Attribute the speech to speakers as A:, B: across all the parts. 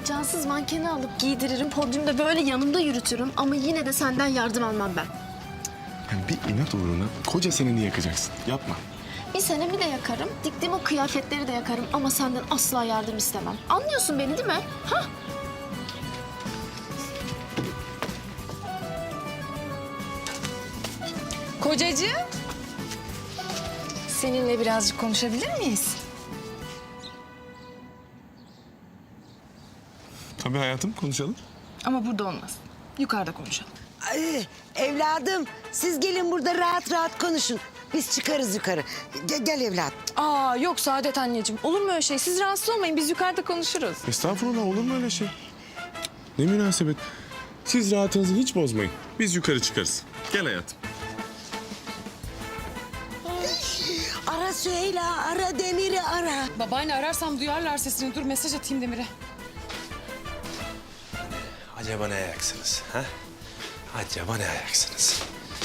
A: cansız mankeni alıp giydiririm, podyumda böyle yanımda yürütürüm ama yine de senden yardım almam ben.
B: Yani bir inat uğruna koca seneni yakacaksın. Yapma.
A: Bir senemi de yakarım, diktiğim o kıyafetleri de yakarım ama senden asla yardım istemem. Anlıyorsun beni değil mi? Ha?
C: Kocacığım. Seninle birazcık konuşabilir miyiz?
B: Tabii hayatım, konuşalım.
C: Ama burada olmaz. Yukarıda konuşalım.
D: Ay, evladım siz gelin burada rahat rahat konuşun. Biz çıkarız yukarı. Gel evladım.
C: Aa yok Saadet anneciğim. Olur mu öyle şey? Siz rahatsız olmayın. Biz yukarıda konuşuruz.
B: Estağfurullah, olur mu öyle şey? Ne münasebet. Siz rahatınızı hiç bozmayın. Biz yukarı çıkarız. Gel hayatım.
D: Ara Süheyla, ara Demir'i ara.
E: Babaanne ararsam duyarlar sesini. Dur mesaj atayım Demir'e.
F: Acaba ne ayaksınız? Ha? Acaba ne ayaksınız?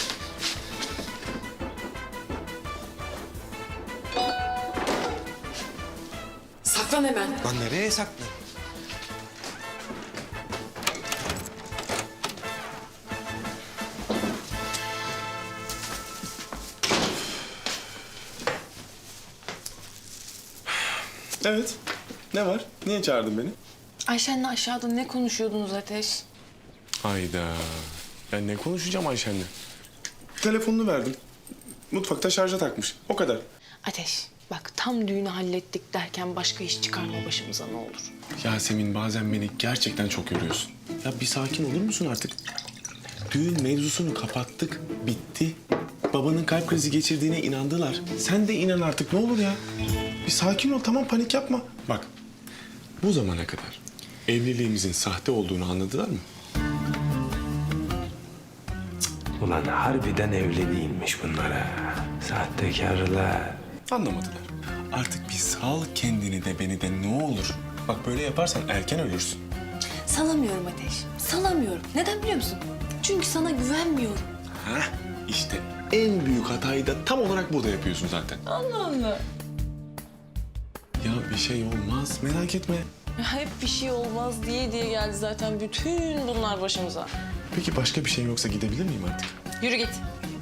E: Saklan hemen.
F: Lan nereye saklan?
B: Evet. Ne var? Niye çağırdın beni?
C: Ayşen'le aşağıda ne konuşuyordunuz Ateş?
B: Hayda. Ben ne konuşacağım Ayşen'le? Telefonunu verdim. Mutfakta şarja takmış. O kadar.
C: Ateş bak tam düğünü hallettik derken başka iş çıkarma başımıza ne olur.
B: Yasemin, bazen beni gerçekten çok yoruyorsun. Ya bir sakin olur musun artık? Düğün mevzusunu kapattık. Bitti. Babanın kalp krizi geçirdiğine inandılar. Sen de inan artık, ne olur ya. Bir sakin ol, tamam, panik yapma. Bak, bu zamana kadar evliliğimizin sahte olduğunu anladılar mı?
F: Ulan harbiden evli değilmiş bunlara. Sahtekarlar.
B: Anlamadılar. Artık bir sal kendini de beni de, ne olur. Bak, böyle yaparsan erken ölürsün.
A: Salamıyorum Ateş, salamıyorum. Neden biliyor musun? Çünkü sana güvenmiyorum.
B: Hah, işte en büyük hatayı da tam olarak burada yapıyorsun zaten.
C: Allah Allah.
B: Ya bir şey olmaz, merak etme.
C: Hep bir şey olmaz diye geldi zaten bütün bunlar başımıza.
B: Peki başka bir şey yoksa gidebilir miyim artık?
C: Yürü git.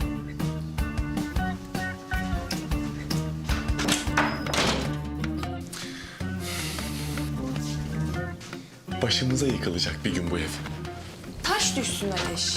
B: Başımıza yıkılacak bir gün bu ev.
C: Taş düşsün Ateş.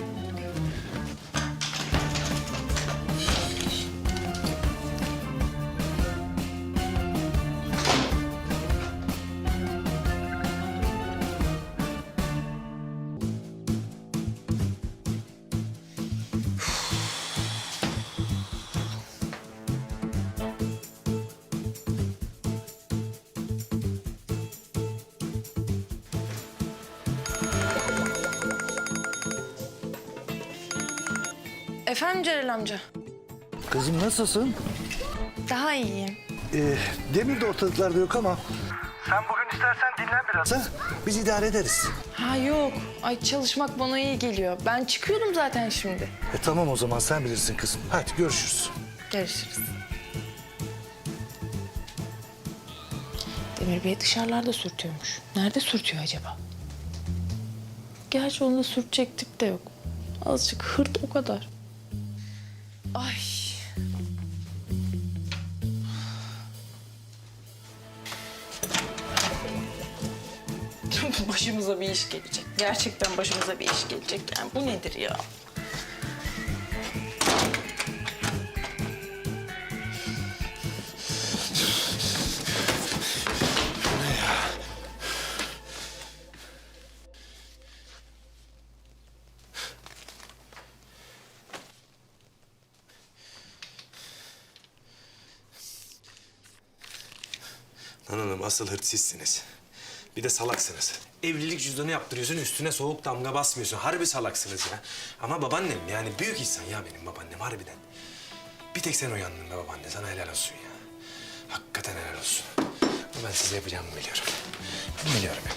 C: Efendim Celal amca.
G: Kızım nasılsın?
C: Daha iyiyim.
G: Demir de ortalıklarda yok ama... Sen bugün istersen dinlen biraz. Ha? Biz idare ederiz.
C: Ha yok. Ay çalışmak bana iyi geliyor. Ben çıkıyordum zaten şimdi.
G: Tamam o zaman sen bilirsin kızım. Hadi görüşürüz.
C: Görüşürüz. Demir Bey dışarılarda sürtüyormuş. Nerede sürtüyor acaba? Gerçi onda sürtecek tip de yok. Azıcık hırt o kadar. Ay. Başımıza bir iş gelecek. Gerçekten başımıza bir iş gelecek. Yani bu nedir ya?
F: Lan oğlum asıl hırt sizsiniz. Bir de salaksınız. Evlilik cüzdanı yaptırıyorsun, üstüne soğuk damga basmıyorsun. Harbi salaksınız ya. Ama babaannem yani büyük insan ya benim babaannem harbiden. Bir tek sen uyandın be babaanne, sana helal olsun ya. Hakikaten helal olsun. Ama ben size yapacağımı biliyorum. Ben biliyorum ya.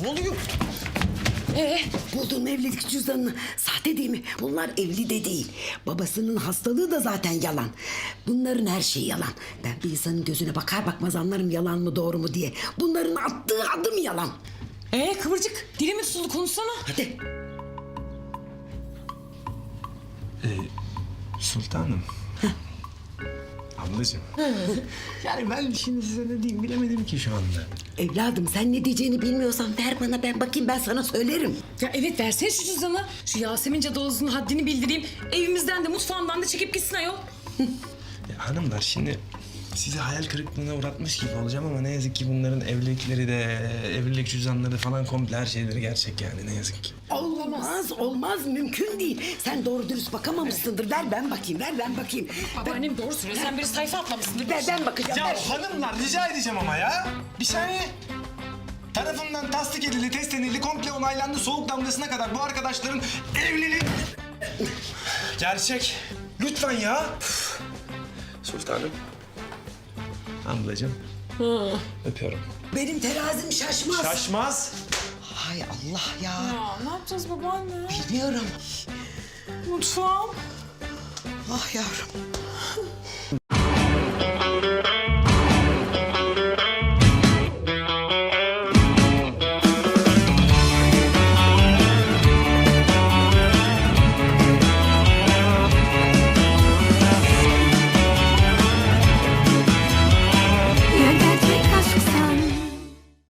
F: Ne oluyor?
D: Buldun mu evlilik cüzdanını? Sahte değil mi? Bunlar evli de değil. Babasının hastalığı da zaten yalan. Bunların her şeyi yalan. Ben bir insanın gözüne bakar bakmaz anlarım yalan mı doğru mu diye. Bunların attığı adım yalan.
E: Kıvırcık dili mi tutuldu konuşsana.
D: Hadi.
F: Sultanım. Ablacığım. Yani ben şimdi size ne diyeyim bilemedim ki şu anda.
D: Evladım sen ne diyeceğini bilmiyorsan ver bana, ben bakayım, ben sana söylerim.
E: Ya evet versene şu cüzdanı. Şu Yasemin cadalozunun haddini bildireyim. Evimizden de mutfağımdan da çekip gitsin ayol.
F: Ya hanımlar şimdi sizi hayal kırıklığına uğratmış gibi olacağım ama ne yazık ki bunların evlilikleri de, evlilik cüzdanları falan komple her şeyleri gerçek yani ne yazık ki.
D: Olmaz, mümkün değil. Sen doğru dürüst bakamamışsındır. Ver ben bakayım, ver ben bakayım.
E: Babaannem doğru söylüyor. Sen bir sayfa atlamışsındır.
D: Ben bakacağım. ver.
F: Hanımlar rica edeceğim ama ya. Bir saniye. Tarafından tasdik edildi, test edildi, komple onaylandı soğuk damgasına kadar bu arkadaşların evliliği... Gerçek. Lütfen ya. Sultanım. Ablacığım. Öpüyorum.
D: Benim terazim şaşmaz.
F: Şaşmaz.
D: Hay Allah ya.
E: Ya ne yapacağız babaanne?
D: Bilmiyorum.
E: Mutfağım.
D: Ah yavrum.